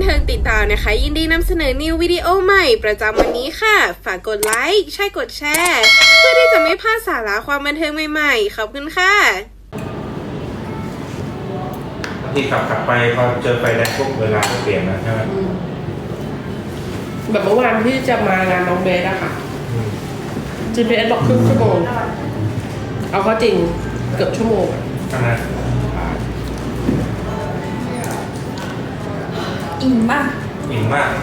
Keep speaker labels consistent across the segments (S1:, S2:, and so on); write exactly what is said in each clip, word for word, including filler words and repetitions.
S1: เทิงติดตามนะคะยินดีนำเสนอนิววิดีโอใหม่ประจำวันนี้ค่ะฝากกดไลค์ใช่กดแชร์เพื่อที่จะไม่พลาดสาระความบันเทิงใหม่ๆขอบคุณค่ะ
S2: บางทีขับขับไปพอเจอไฟแดงปุ๊บเวลาก็เปลี่ยนนะใช่ไหม
S3: แบบเมื่อวานที่จะมางานน้องเบสอะค่ะ จี พี เอส บอกครึ่งชั่วโมงเอาก็จริงเกือบชั่วโมง
S2: นะ
S4: อิ่มมาก
S2: อิ่มมาก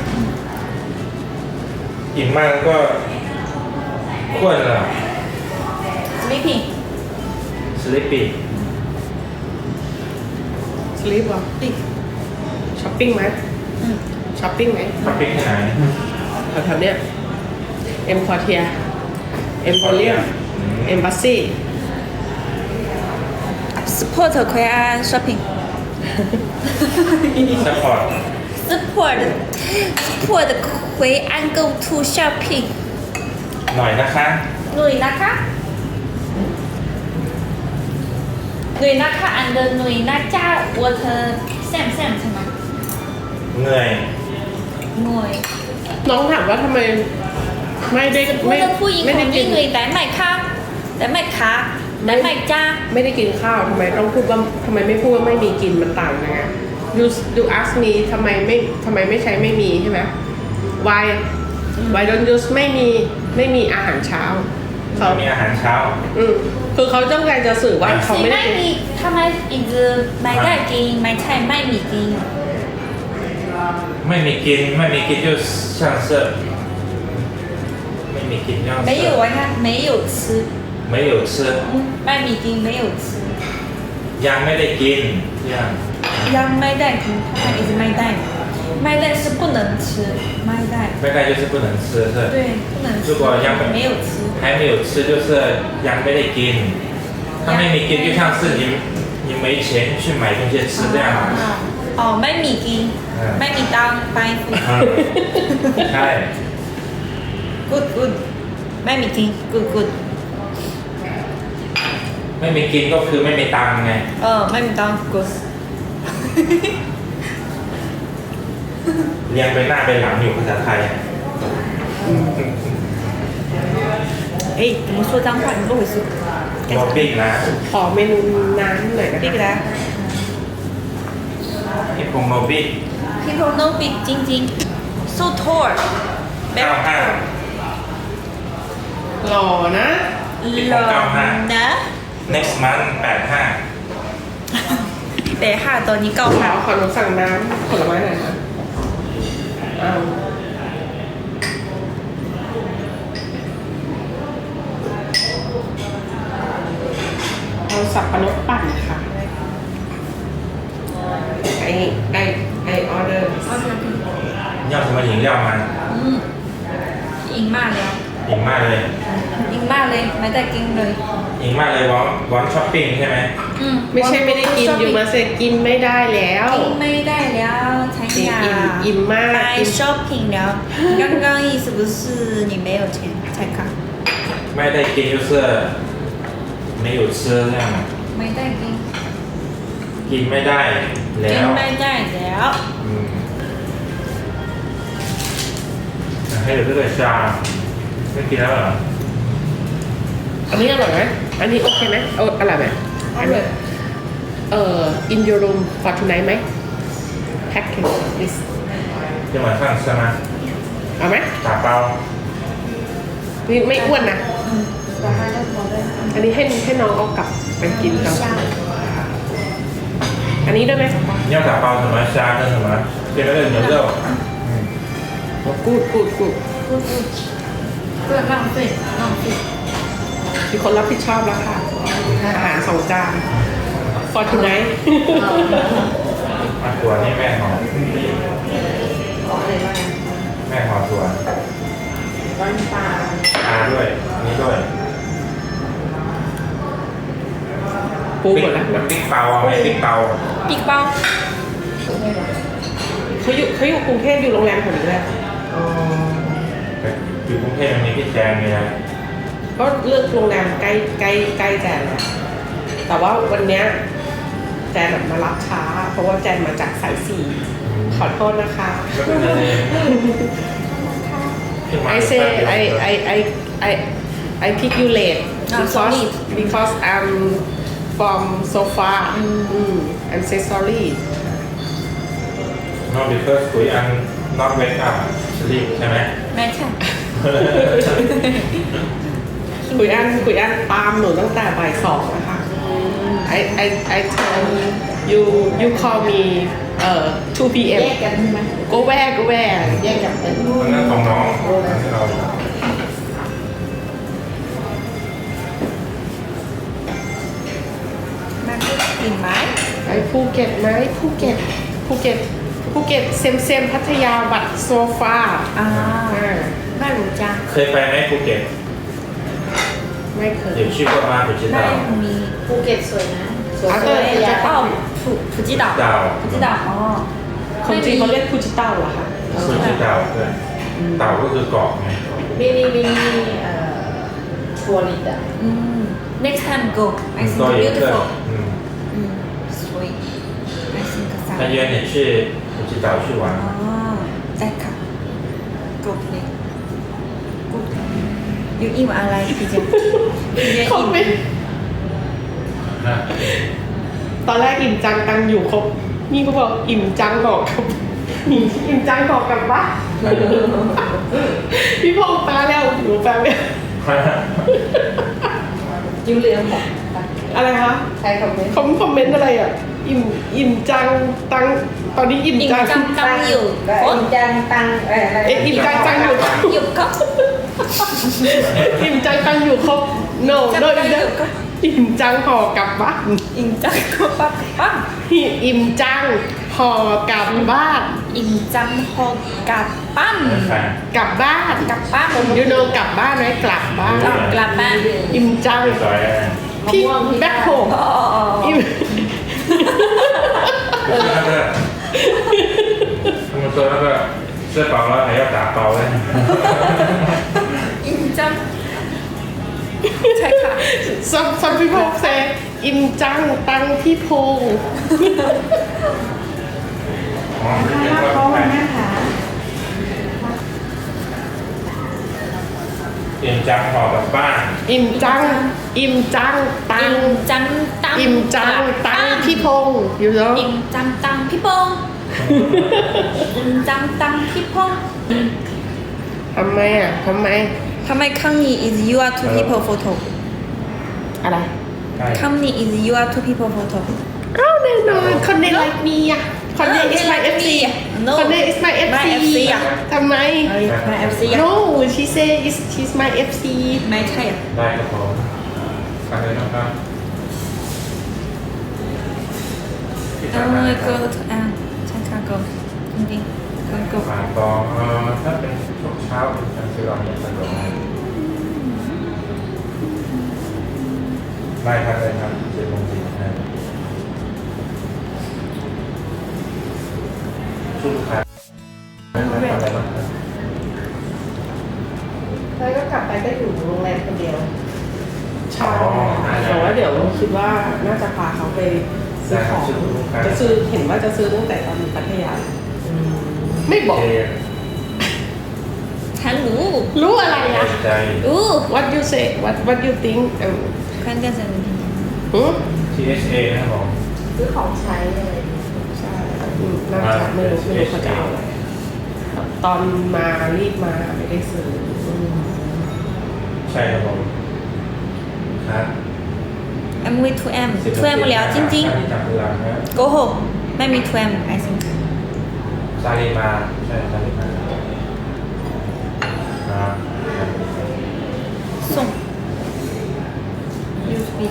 S2: อิ่มมากแล้วก็ควรเหรอ
S4: sleeping
S2: sleepy
S3: สลีปเหรอช้อปปิ้งไหมช้อปปิ้งไหม
S2: ช้อปปิ้งที่ไหน
S3: แถวๆเนี้ยเอ็มคอเทียเอ็มโพเรียมเอ็มบัสซี่
S4: support 奎安 shopping
S2: support
S4: support support 奎安 go to shopping
S2: หน่อยนะคะ
S4: หน่อยนะคะหน่อยนะคะ and หน่อยนะจ้า water sam sam ใช่ไหม
S2: เหนื่อย
S4: หน่อย
S3: น้องถามว่าทำไมไม่ได้
S4: ไม่ได้ผู้หญิงของนี่หน่อยแต่ไม่ค่ะแต่ไม่ค่ะแต่ไม่จ้า
S3: ไม่ได้กินข้าวทำไมต้องพูดว่าทำไมไม่พูดว่าไม่มีกินมันต่างยังไง you you ask me ทำไมไม่ทำไมไม่ใช้ไม่มีใช่ไหม why why don't use ไม่มีไม่มีอาหารเช้า
S2: เขามีอาหารเช้า
S3: อืมคือเขาต้องการจะสื่อว่าเขาไม่ได้
S4: มีทำไมอีกไม่ได้กินไม่ใช่ไม่มีกิน
S2: ไม่มีกินไม่มีกิน就像是ไม่มีกิน像是
S4: 没有啊没有吃
S2: 没有吃
S4: ไม่มีกิน没有吃
S2: ยังไม่ได้กินยัง
S4: ยังไม่ได้กิน它一直ไม่ได้ไม่ได้是不能吃ไม่ได้
S2: ไม่ได้就是不能吃是
S4: 对不能吃
S2: 如果ยัง
S4: 没有吃
S2: 还没有吃就是ยังไม่ได้กินถ้าไม่มีกิน就像是你你没钱去买东西吃这样
S4: อ๋อไม่มีกินไม่มีตังค์ไป
S2: ใช่
S4: good good ไม่มีกิน good good
S2: ไม่มีกินก็คือไม่มีตังค์ไง
S4: เออไม่มีตังค์ good
S2: เรียงไปหน้าไปหลังอยู่ภาษาไทย
S4: 哎怎么说脏话你不会说
S2: โมบิ้งนะ
S3: ขอเมนูน้ำหน่อยนะ
S4: บิ๊กนะ
S2: พี่พงโมบิ้ง
S4: people know big จริงๆ so tall
S2: เก้าห้า
S3: หล่อนะ
S4: หล่อนะ
S2: next month แปดห้า
S4: แปดห้าตอนนี้เก้าห้า
S3: ขอหนูสั่งน้ำผลไม้หน่อยนะอ้าวเอาสับปะรดปั่นค่ะไอไอไอออเดอร์
S2: 要什么饮料吗
S4: อืมอิ่มมากแล้ว
S2: อิ่มมากเลย
S4: อิ่มมากเลยไม่ได้กินเลย
S2: อิ่มมากเลยวอนวอนช้อปปิ้งใช่ไหม
S4: อืม
S3: ไม่ใช่ไม่ได้กินอยู่มาเสร็จกินไม่ได้แล้ว
S4: กินไม่ได้แล้ว才呀
S3: อิ่มมาก
S4: ไป shopping แล้ว刚刚意思不是你没有钱才看
S2: ไม่ได้กิน就是没有吃这样
S4: ไม่ได้กิน
S2: กินไม่ได้แล้ว
S4: กินไม่ได้แล้ว
S2: ให้เดี๋ยวด้วยชาไม่กินแล้วเหรอ
S3: อันนี้อร่อยไหมอันนี้โอเคไหมโอ้อร่อยไหมอร่อยเอ่อ in your room for tonight ไหม package this
S2: จะมาสั่งใช่ไหม
S3: เอาไหม
S2: กาเปา
S3: นี่ไม่อ้วนนะอันนี้ให้ให้น้องเอากลับไปกินกันอันนี้ได้ไหม
S2: 要打包什么虾跟什么跟那个牛肉
S3: กูดกูดกูด
S4: กูดกูดเพื่อ浪费浪费
S3: มีคนรับผิดชอบแล้วค่ะอาหารสองจาน for tonight
S2: มาตัวนี่แม่หอมแม่หอมตัว
S3: วันปลา
S2: ปลาด้วยนี่ด้วย
S3: ปูหมดแล้ว
S2: บิ๊กเปาไหมบิ๊กเปา
S4: บิ๊กเปา
S3: เขาอยู่เขาอยู่กรุงเทพอยู่โรงแรมแถวนี้แหละ
S2: อยู่กรุงเทพมันมีพี่แจงเลยนะ
S3: ก็เลือกโรงแรมใกล้ใกล้ใกล้แจนแหละแต่ว่าวันเนี้ยแจนแบบมารับช้าเพราะว่าแจนมาจากสายสี่ขอโทษนะคะ
S2: ไม่เป็นไรขึ้นมา
S3: I say I I I I I pick you late
S4: Ah,
S3: because
S4: sorry.
S3: because I'm from so far. Mm. I'm say sorry.
S2: no because คุยอัน not wake up รีบใช่ไหม
S4: ไม่ใช่
S3: คุยอันคุยอันตามหนูตั้งแต่บ่ายสองนะคะ I I I tell you you call me เอ่อ two พี เอ็ม
S5: แยกกันใช่ไหม
S3: go where go where
S5: แยกกันเป็น
S2: อันนั้นของน้องอันนี้เรา
S4: มันก็กินไหม
S3: ไปภูเก็ตไหมภูเก็ตภูเก็ตภูเก็ตเซมเซมพัทยาบัตรโซฟา
S4: อ่า
S3: อ่า
S4: ไม่รู้จัก
S2: เคยไปไหมภูเก็ต
S3: ไม่เคย
S2: 有去过吗不知
S4: ไม่
S2: 道
S4: มี
S5: ภูเก็ตสวยนะสวย
S3: อ่ะ
S5: สวย
S3: เออ
S5: ยา
S4: อ๋อฟูฟูจิดะ
S2: ดาว
S4: ฟูจิดะอ๋อ
S3: คนจีนเขาเรียกภูจิเต้าเหรอคะ
S2: ฟูจิเต่าด้วยเต่าก็คือเกาะไง
S5: มินิมินิเอ่อทัวริดอ่ะ
S4: อืม next time go I
S2: ก็
S4: think
S2: 有一个
S4: beautiful
S2: 嗯
S4: อืมสวย I think
S2: 他约你去普吉岛去玩
S4: อ๋อได้ค่ะ go play go อยู่อิ่มอะไรพี่เจพี่เจ
S3: เขา
S4: อิ่ม
S3: ไม่
S2: นะ
S3: ตอนแรกอิ่มจังตังอยู่ครบนี่เขาบอกอิ่มจังบอกกับอิ่มจังบอกกลับบ้านพี่พงษ์แปลแล้วหนูแปลไม่
S5: ยูเรียมของ
S3: อะไรคะ
S5: ใครคอมเมนต์
S3: คอมคอมเมนต์อะไรอ่ะ อิ่มอิ่มจังตังตอนนี้อิ่ม
S4: อิ่ม
S3: จัง
S4: จังตังอยู่
S5: ก็
S4: โอ๊
S5: อิ
S4: ย
S5: มจังตังเอ่ออะไร
S3: เอ๊ะอิ่มจังตังอยู่
S4: อยู่ก็
S3: อิ่มจังตังอยู่ครบ no
S4: จัง
S3: no
S4: ตังอยู่ก็
S3: อิ่มจังห่อกลับบ้าน
S4: อิ่มจังก็ปั๊บปั๊บ
S3: อิ่มจังห่อกลับบ้าน
S4: อิ่มจังหอกกลับบ้าน
S2: แฟน
S3: กลับบ้าน
S4: กลับบ้าน
S3: ยูโนกลับบ้านไหมกลับบ้าน
S4: กลับกลับบ้าน
S3: อิ่มจัง
S2: สวย
S3: พี่แบ็คโฮ
S4: อ๋ออ๋อ
S3: อิ่ม
S2: 就是那个他们说那个吃饱了还要打包嘞
S4: อิ่มจังใช่ค่ะ
S3: some some people say อิ่มจังตังพี่พงษ์
S2: อ๋อไม่เป็น
S5: รับ
S2: ไร
S5: เขาวันนะคะ
S2: เตรียมจังห่อกลับบ้าน
S3: อิ่มจัง อิ่มจังตัง
S4: อิ่มจังตัง
S3: อิ่มจังตังพี่พงษ์อยู่แล้ว
S4: อิ่มจังตังพี่พงษ์อิ่มจังตังพี่พงษ์
S3: ทำไมอ่ะทำไม
S4: ทำไมคำนี้ is you are two people photo
S3: อะไร
S2: ใช่
S4: คำนี้ is you are two people photo
S3: อ้าวแน่นอนคนในไลฟ์มีอ่ะคนใน is my เอฟ ซี
S4: No
S3: คนใน is my เอฟ
S4: my
S3: ซี
S4: เอฟซีอ่ะ
S3: ทำไม
S4: มา เอฟ ซีอ่ะ
S3: no she say is she's my เอฟ ซี
S4: ไม่ใช่อ่ะ
S2: ได้ครับผมฟังเลยนะครับที่
S4: เอ
S2: ทำงาน
S4: อ
S2: นะค
S4: go
S2: รับ
S4: to อ่ะใช่ค่ะ go จริงๆ go go
S2: ฝากกองเอ่อถ้าเป็นช่วงเช้าเป็นการซื้อเราเนี่ยสะดวกไหมได้ครับได้ครับเจ็ดโมงสี่สิบห้าชุดครับอะไรบ้างครับ
S5: แล้วก็กลับไปก็อยู่โรงแรมคนเดียว
S3: ใช่แต่ว่าเดี๋ยวคิดว่าน่าจะพาเขาไปซื้อของจะซื้อเห็นว่าจะซื้อตั้งแต่ตอนอยู่พัทยาไม่บอก
S2: เจ
S4: ฉันรู้
S3: รู้อะไรอ่ะ
S2: ใจ
S4: รู้
S3: what you say what what you think เออ
S4: 看电视
S3: หือ
S2: ที เอช เอ นะครับผม
S5: ซื้อของใช้อะไรอย่างเงี้ย
S3: ใช่อืมน่าจะไม่รู้ไม่รู้เขาจะเอาอะไรตอนมารีบมาไม่ได้ซื้ออืม
S2: ใช่ครับผมครับ
S4: M V two M two M แล้วจริง
S2: ที่จับเวลานะ
S4: ๆ go home ไม่มี two M I think
S2: ซาลีมาใช่ซาลีมาอ่า
S4: ส่ง U S B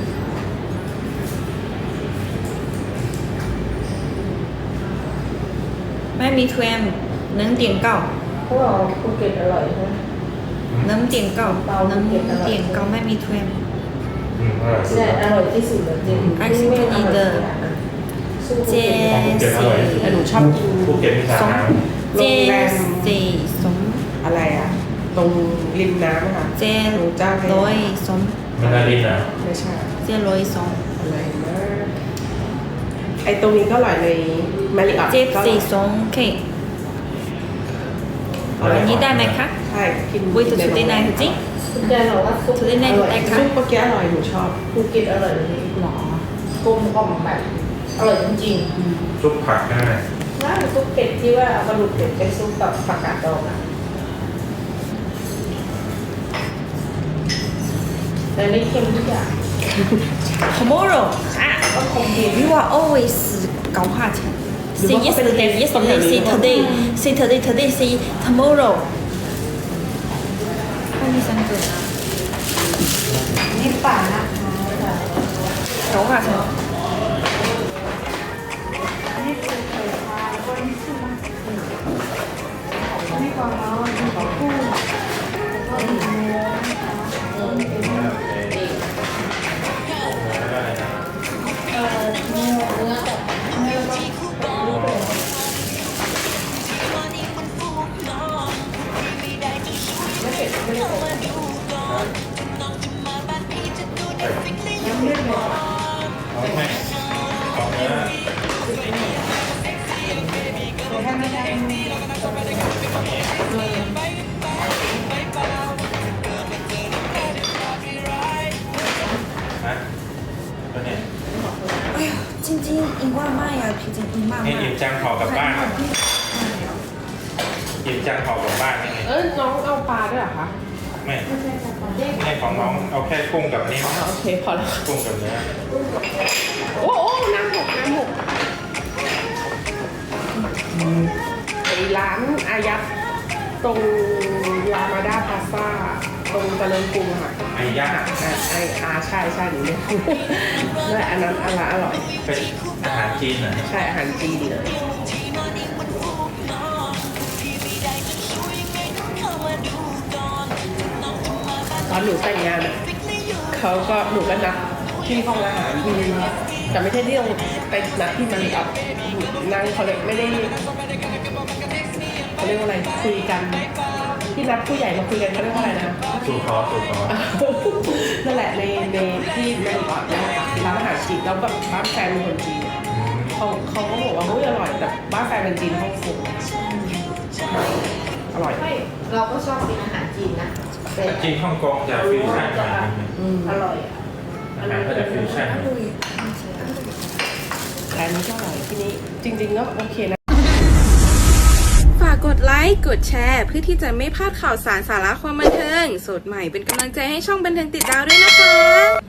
S4: ไม่มี two M หนึ่ง点九
S5: พวกเราภูเก็ตอร่อยใช่ไหม
S4: หนึ่ง点九หนึ่ง点九ไม่มี two M
S2: อืมอร่อยสุด
S5: ใช่
S2: ค
S5: อ
S2: รับ
S5: ร่อยที่สุดเลยจริง
S4: ไอซิ่งที่นี่เดิม
S5: สู้ภู
S4: เจ
S5: เก็ต
S4: สี่
S3: แต่หนูชอบกิน
S2: ภูเก็ตมีสา
S4: ส
S2: ขา
S4: องเจสี่สอง
S3: อะไรอ่ะ ตรงริมน้ำอะค่ะ
S4: เจร้อยสอง
S2: มันดารินนะ
S3: ไม่ใช่
S4: เจร้อยสอง
S3: อะไรนะไอตรงนี้ก็อร่อยในมาริออท
S4: เจฟซีซงเคอันนี้ได้ไหมคะ
S3: ใช่กิน
S4: วิตุสุดในจริง
S5: คุณยายบอกว่าซุป
S4: สุดในได้ค่ะ
S3: ซุปเมื่อกี้อร่อยหนูชอบ
S5: ภูเก็ตอร่อยเลยหรอกลมกล่อมแบบอร่อยจริง
S2: ซุปผักได้
S5: ๆว่าซุปเป็ดที่ว่าเอากระดูกเป็ดไปซุปกับผักกาดดองอะแต่ไม่เค็มทุกอย่าง
S4: tomorrow ค่ะ
S5: ก็คงเค็ม
S4: you are always 搞话钱 say yesterday yesterday say today say today today say tomorrow 二一三个
S5: นี่ป่านะคะ
S4: 搞话钱
S5: นี่ก่อนเนาะนี่ก่อนคู่แล้วก็มีเนื้อนะคะเออเป็นเนื้อเออเนื้อเนื้อแบบเนื้อแบบ
S2: เอาไหมเอาเนื้อฮะตัวเนี้ย
S4: 哎呀晶晶อิ่มว่าไม่อะพี่晶อิ่มมาก
S2: นี่อิ่มจังห่อกลับบ้านอิ่มจังห่อกลับบ้านยังไง
S3: เออน้องเอาปลาด้วยเหรอคะ
S2: ไม่ไม่ของน้องเอาแค่กุ้งกับนี่
S3: อ๋อโอเคพอแล้ว
S2: กุ้งกับเนื้อ
S3: โอ้โอ้น้ำหกน้ำหกไอร้านอายัดตรงลามาดาพาซ่าตรงเจริญกรุงอะค่ะ
S2: ไอ้ย่า
S3: อ่าไออาใช่ใช่หนูเนี่ยนั่นแหละอันนั้นอันละอร่อย
S2: เป็นอาหารจีนเหรอ
S3: ใช่อาหารจีนเลยตอนหนูแต่งงานอะเขาก็หนูก็นัดที่ห้องอาหารที่แต่ไม่ใช่ที่โรงไปนัดที่มันกับนั่งเขาเลยไม่ได้เขาเรียกว่าอะไรคุยกันที่นัดผู้ใหญ่มาคุยกันเขาเรียกว่าอะไรนะ
S2: สูตรขอสูตรขอ
S3: นั่นแหละในในที่แมนออดนะร้านอาหารจีนแล้วแบบบ้านแฟนเป็นคนจีนเขาเขาก็บอกว่าเฮ้ยอร่อยแต่บ้านแฟนเป็นจีนฮ่องกงอร่อย
S5: ไม่เราก็ชอบกินอาหารจีนนะแต่
S2: จีนฮ่องกงจะฟิวชั่นหน่อยนึง
S3: อืม
S5: อร่อยอะ
S2: อาหารก็จะฟิวชั่น
S4: อร่อย
S3: แต่อันนี้ก็อร่อยที่นี้จริงๆก็โอเคนะ
S1: ฝากกดไลค์ กดแชร์ เพื่อที่จะไม่พลาดข่าวสารสาระความบันเทิง สดใหม่เป็นกำลังใจให้ช่องบันเทิงติดดาวด้วยนะคะ